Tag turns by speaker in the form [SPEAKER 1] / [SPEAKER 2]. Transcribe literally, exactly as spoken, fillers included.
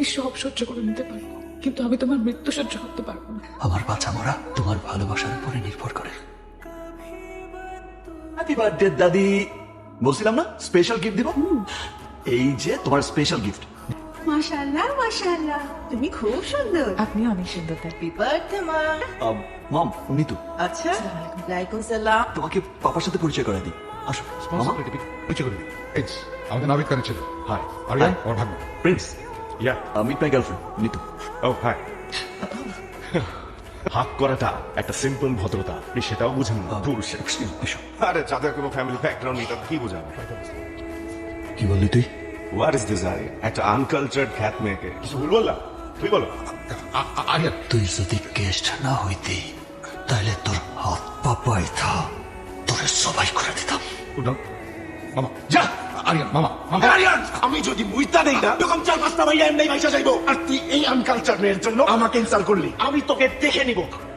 [SPEAKER 1] আমি সব সহ্য করে নিতে পারবো, কিন্তু আমি তোমার মৃত্যু সহ্য করতে পারবো না।
[SPEAKER 2] আমার বাঁচা মরা তোমার ভালোবাসার উপরে নির্ভর করে।
[SPEAKER 3] হ্যাপি বার্থডে দাদি। বলছিলাম না স্পেশাল গিফট দিব। এই যে তোমার স্পেশাল গিফট।
[SPEAKER 4] মাশাআল্লাহ মাশাআল্লাহ, তুমি খুব সুন্দর।
[SPEAKER 1] আপনি অনেক সুন্দর।
[SPEAKER 4] হ্যাপি বার্থডে মা।
[SPEAKER 3] মম উনি তো
[SPEAKER 4] আচ্ছা, ওয়ালাইকুম সালাম।
[SPEAKER 3] তোমাকে পাপার সাথে পরিচয় করে দিই। আসো মামা।
[SPEAKER 5] পরিচয় করে দিই। এই যে, আমাদের নাবিক কানে ছিল। Hi Ariyan,
[SPEAKER 3] Hi.
[SPEAKER 5] আমার ভাগ্য।
[SPEAKER 3] Prince
[SPEAKER 6] yeah
[SPEAKER 3] meet my girlfriend Nitu.
[SPEAKER 6] ও হাই হাক করাটা একটা সিম্পল ভদ্রতা, আপনি সেটাও বুঝেন না পুরুষের।
[SPEAKER 3] এসো।
[SPEAKER 6] আরে যাদের কোনো ফ্যামিলি ব্যাকগ্রাউন্ড নেই তাদের কি বোঝাবো?
[SPEAKER 3] কি বললি তুই?
[SPEAKER 6] হোয়াট ইজ দিস আই? একটা আনকালচার্ড খ্যাত মেয়েকে কিছু ভুল বললাম? তুই বলো।
[SPEAKER 5] আ- আ- আরিয়ান,
[SPEAKER 2] তুই যদি গেস্ট না হইতি তাহলে তোর হাত পা পাইতা তোরে সবাই করে দিতাম।
[SPEAKER 5] উঠো। মামা যা। আরিয়ান মামা মামা
[SPEAKER 6] আরিয়ান, আমি যদি মুইতা নেই না তখন চার পাঁচটা ভাইয়া এমনি ভাইসা যাইবো, আর তুই এই আনকালচার মেয়ের জন্য আমাকে ইনসাল্ট করলি। আমি তোকে দেখে নিব।